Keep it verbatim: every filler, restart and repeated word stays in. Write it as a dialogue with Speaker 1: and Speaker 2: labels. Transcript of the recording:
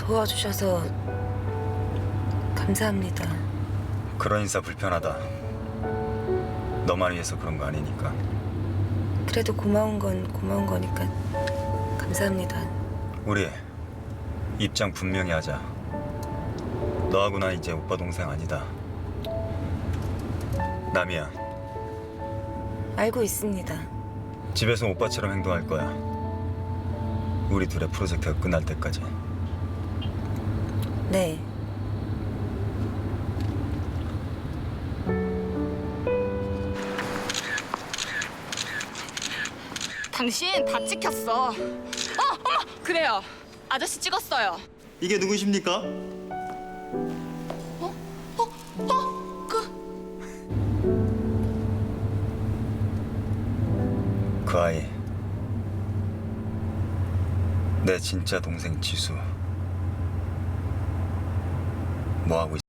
Speaker 1: 도와주셔서 감사합니다.
Speaker 2: 그런 인사 불편하다. 너만 위해서 그런 거 아니니까.
Speaker 1: 그래도 고마운 건 고마운 거니까 감사합니다.
Speaker 2: 우리 입장 분명히 하자. 너하고 나 이제 오빠 동생 아니다. 남이야.
Speaker 1: 알고 있습니다.
Speaker 2: 집에서 오빠처럼 행동할 거야. 우리 둘의 프로젝트가 끝날 때까지.
Speaker 1: 네.
Speaker 3: 당신 다 찍혔어. 어, 어머, 그래요. 아저씨 찍었어요.
Speaker 2: 이게 누구십니까?
Speaker 3: 어, 어, 그
Speaker 2: 그 아이. 내 진짜 동생 지수. 뭐 하고 있어?